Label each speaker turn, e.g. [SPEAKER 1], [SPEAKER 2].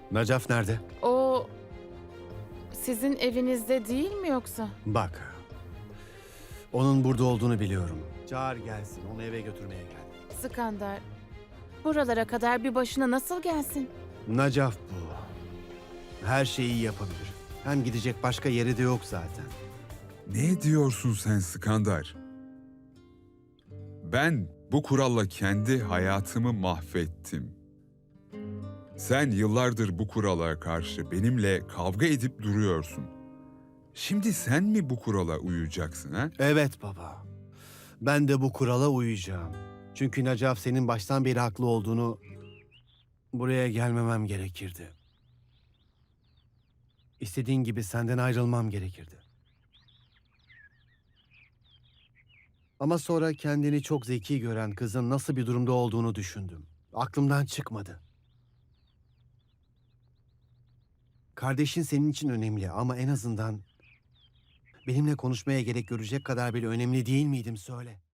[SPEAKER 1] Nacaf nerede?
[SPEAKER 2] O sizin evinizde değil mi yoksa?
[SPEAKER 1] Bak. Onun burada olduğunu biliyorum. Çağır gelsin. Onu eve götürmeye gel.
[SPEAKER 2] Skandar, buralara kadar bir başına nasıl gelsin?
[SPEAKER 1] Nacaf bu. Her şeyi yapabilir. Hem gidecek başka yeri de yok zaten.
[SPEAKER 3] Ne diyorsun sen Skandar? Ben bu kuralla kendi hayatımı mahvettim. Sen yıllardır bu kurala karşı benimle kavga edip duruyorsun. Şimdi sen mi bu kurala uyacaksın ha?
[SPEAKER 1] Evet baba. Ben de bu kurala uyacağım. Çünkü Nacaf senin baştan beri haklı olduğunu buraya gelmemem gerekirdi. İstediğin gibi senden ayrılmam gerekirdi. Ama sonra kendini çok zeki gören kızın nasıl bir durumda olduğunu düşündüm. Aklımdan çıkmadı. Kardeşin senin için önemli ama en azından benimle konuşmaya gerek görecek kadar bile önemli değil miydim söyle.